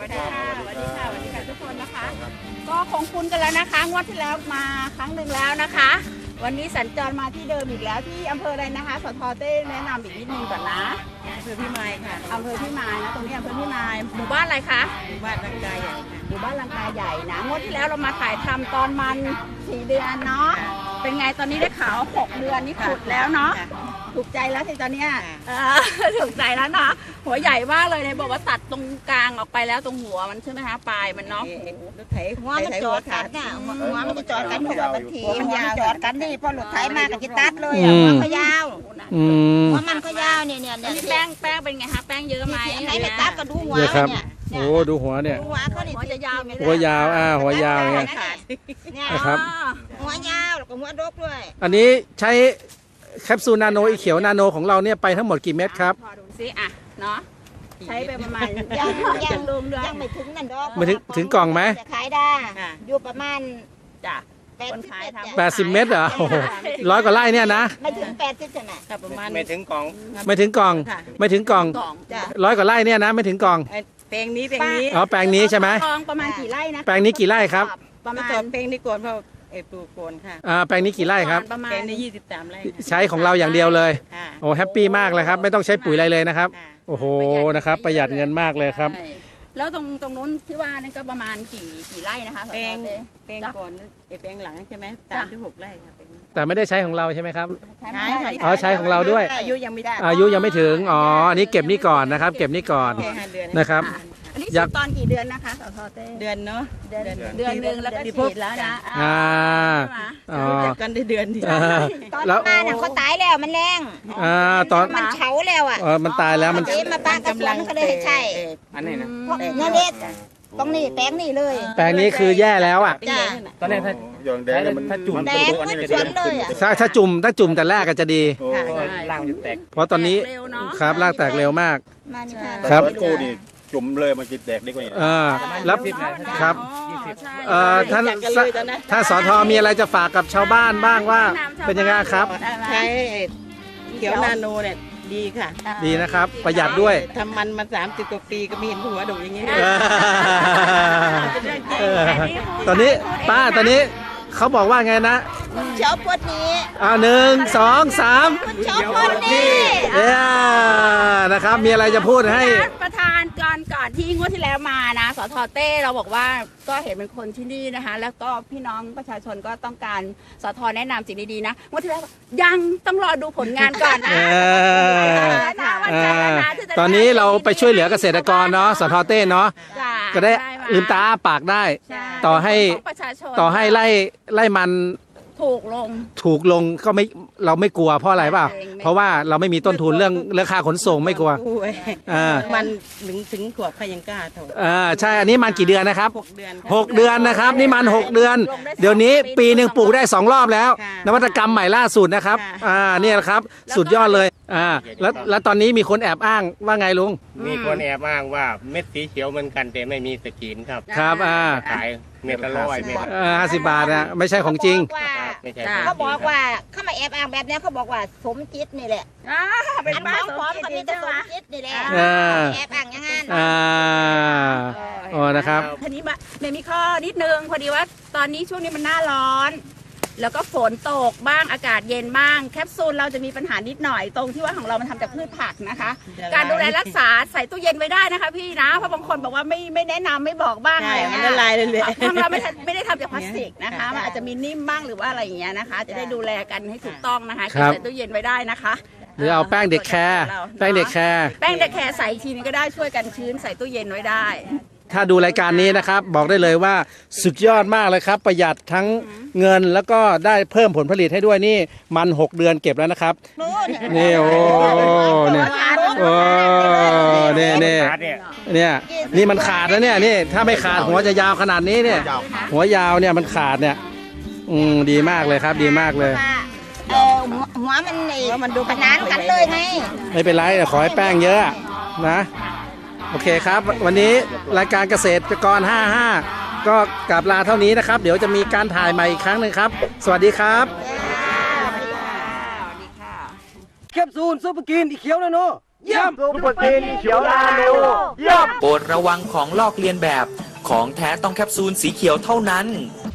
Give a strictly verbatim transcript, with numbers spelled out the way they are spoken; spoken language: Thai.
วัสดีค่ะสวัสดีค่ะสวัสดีค่ะทุกคนนะคะก็คงคุ้นกันแล้วนะคะงวดที่แล้วมาครั้งหนึ่งแล้วนะคะ วันนี้สัญจรมาที่เดิมอีกแล้วที่อำเภออะไรนะคะสทเต้แนะนำอีกนิดนึงก่อนนะอำเภอพิมายค่ะอำเภอพิมายนะตรงนี้อำเภอพิมายหมู่บ้านอะไรคะหมู่บ้านลังกาใหญ่ค่ะหมู่บ้านลังกาใหญ่นะงวดที่แล้วเรามาถ่ายทำตอนมันสี่เดือนเนาะเป็นไงตอนนี้ได้ข่าวหกเดือนนี่ขุดแล้วเนาะถูกใจแล้วสิตอนเนี้ยถูกใจแล้วเนาะหัวใหญ่มากเลยเนี่ยบอกว่าตัดตรงกลางออกไปแล้วตรงหัวมันใช่ไหมคะปลายมันเนาะรถไถหัวมันจอดกันน่ะหัวมันจอดกันหัวมันทีมันยาวจอดกันนี่พอรถไถมาก็จะตัดเลยหัวก็ยาวหัวมันก็ยาวเนี่ยเนี่ยเนี่ยแป้งแป้งเป็นไงคะแป้งเยอะไหมไหนไม่ตัดก็ดูหัวเนี่ยโอ้ดูหัวเนี่ยหัวเขาเนี่ยหัวจะยาวหัวยาวอ่าหัวยาวไงนะครับหัวยาวแล้วก็หัวดกด้วยอันนี้ใช้แคปซูลนาโนอีเขียวนาโนของเราเนี่ยไปทั้งหมดกี่เม็ดครับพอดูซิอ่ะเนาะใช้ไปประมาณยังยังลงด้วยยังไม่ถึงนั่นดอกไม่ถึงถึงกล่องไหมจะขายได้อยู่ประมาณจ้ะคนขายทำแปดสิบเม็ดเหรอโอ้โหร้อยกว่าไร่เนี่ยนะไม่ถึงแปดสิบใช่ไหมประมาณไม่ถึงกล่องไม่ถึงกล่องไม่ถึงกล่องร้อยกว่าไร่เนี่ยนะไม่ถึงกล่องแปลงนี้แปลงนี้อ๋อแปลงนี้ใช่ไหมกล่องประมาณกี่ไร่นะแปลงนี้กี่ไร่ครับประมาณแปลงนี้โกนเพราะเอปลูกโกนค่ะอ่าแปลงนี้กี่ไร่ครับแปลงนี้ยี่สิบสามไร่ใช้ของเราอย่างเดียวเลยโอ้แฮปปี้มากเลยครับไม่ต้องใช้ปุ๋ยอะไรเลยนะครับโอ้โหนะครับประหยัดเงินมากเลยครับแล้วตรงตรงนู้นที่ว่านี่ก็ประมาณกี่กี่ไร่นะคะแปลงแปลงก่อนแปลงหลังใช่ไหมสามถึงหกไร่ค่ะแต่ไม่ได้ใช้ของเราใช่ไหมครับใช่อ๋อใช้ของเราด้วยอายุยังไม่ได้อายุยังไม่ถึงอ๋ออันนี้เก็บนี่ก่อนนะครับเก็บนี่ก่อนนะครับอันนี้ฉีดตอนกี่เดือนนะคะสทเต้เดือนเนาะเดือนเดือนหนึ่งแล้วก็ฉีดแล้วนะอ่าอ๋อกันได้เดือนเดียวตอนมาเนี่ยเขาตายแล้วมันแรงอ่าตอนมันเฉาแล้วอ่ะเออมันตายแล้วมันมาป้ากระสวนก็เลยใช่อันนี้นะนั่นเด็ดตรงนี้แปลงนี่เลยแปลงนี้คือแย่แล้วอ่ะตอนนี้ถ้าอย่างแดงมันถ้าจุ่มแดงมันชวนเลยอ่ะถ้าถ้าจุ่มถ้าจุ่มแต่แรกก็จะดีล่างจะแตกเพราะตอนนี้ครับรากแตกเร็วมากครับกูนี่จุ่มเลยมันจะแตกได้กว่านี้อ่าแล้วครับเอ่อท่านถ้าสทมีอะไรจะฝากกับชาวบ้านบ้างว่าเป็นยังไงครับใช้เขียวนาโนเนี่ยดีค่ะดีนะครับประหยัดด้วยทำมันมาสามสิบกว่าปีก็ไม่เห็นหัวดกอย่างนี้ตอนนี้ป้าตอนนี้เขาบอกว่าไงนะเช้าปวดนี้อ่าหนึ่งสองสามเช้าปวดนี้เนี่ยนะครับมีอะไรจะพูดให้ประธานก่อนก่อนที่งวดที่แล้วมานะสทเต้เราบอกว่าก็เห็นเป็นคนที่นี่นะคะแล้วก็พี่น้องประชาชนก็ต้องการสทแนะนำสิ่งดีๆนะงวดที่แล้วยังต้องรอดูผลงานก่อนนะตอนนี้เราไปช่วยเหลือเกษตรกรเนาะสทเต้เนาะก็ได้ลืมตาปากได้ต่อให้ต่อให้ไล่ไล่มันถูกลงถูกลงก็ไม่เราไม่กลัวเพราะอะไรเปล่าเพราะว่าเราไม่มีต้นทุนเรื่องเรื่องค่าขนส่งไม่กลัวอ่ามันถึงถึงขวบใครยังกล้าถอดอ่าใช่อันนี้มันกี่เดือนนะครับหกเดือนหกเดือนนะครับนี่มันหกเดือนเดี๋ยวนี้ปีหนึ่งปลูกได้สองรอบแล้วนวัตกรรมใหม่ล่าสุดนะครับอ่าเนี่ยครับสุดยอดเลยอ่าแล้วแล้วตอนนี้มีคนแอบอ้างว่าไงลุงมีคนแอบอ้างว่าเม็ดสีเขียวเหมือนกันแต่ไม่มีสกรีนครับครับอ่าขายเม็ดละร้อยเม็ดห้าสิบบาทนะไม่ใช่ของจริงเขาบอกว่าเขามาแอบอ้างแบบนี้เขาบอกว่าสมจิตนี่แหละเป็นบ้าพร้อมกันนี่จะสมจิตนี่แหละแอบอ้างอย่างนั้นอ่าอ๋อนะครับทีนี้มาเมย์มีข้อนิดนึงพอดีว่าตอนนี้ช่วงนี้มันหน้าร้อนแล้วก็ฝนตกบ้างอากาศเย็นบ้างแคปซูลเราจะมีปัญหานิดหน่อยตรงที่ว่าของเรามันทำจากพืชผักนะคะการดูแลรักษาใส่ตู้เย็นไว้ได้นะคะพี่นะเพราะบางคนบอกว่าไม่ไม่แนะนำไม่บอกบ้างอะไรมันละลายเลยเลยทางเราไม่ไม่ได้ทำจากพลาสติกนะคะมันอาจจะมีนิ่มบ้างหรือว่าอะไรอย่างเงี้ยนะคะจะได้ดูแลกันให้ถูกต้องนะคะใส่ตู้เย็นไว้ได้นะคะหรือเอาแป้งเด็กแคร์แป้งเด็กแคร์แป้งเด็กแคร์ใส่ทีนี้ก็ได้ช่วยกันชื้นใส่ตู้เย็นไว้ได้ถ้าดูรายการนี้นะครับบอกได้เลยว่าสุดยอดมากเลยครับประหยัดทั้งเงินแล้วก็ได้เพิ่มผลผลิตให้ด้วยนี่มันหกเดือนเก็บแล้วนะครับนี่โอ้เนี่ยโอ้เนี่ยเนี่ยเนี่ยนี่มันขาดแล้วเนี่ยนี่ถ้าไม่ขาดหัวจะยาวขนาดนี้เนี่ยหัวยาวเนี่ยมันขาดเนี่ยอืมดีมากเลยครับดีมากเลยเออหัวมันนี่มันดูขนานกันเลยไงไม่เป็นไรแต่ขอให้แป้งเยอะนะโอเคครับวันนี้รายการเกษตรกรห้าสิบห้าก็กลับลาเท่านี้นะครับเดี๋ยวจะมีการถ่ายใหม่อีกครั้งหนึ่งครับสวัสดีครับแคปซูลซุปเปอร์กินอีเขียวนะโนเยี่ยมซุปเปอร์ซีเขียวนาโนเยี่ยมโปรดระวังของลอกเลียนแบบของแท้ต้องแคปซูลสีเขียวเท่านั้น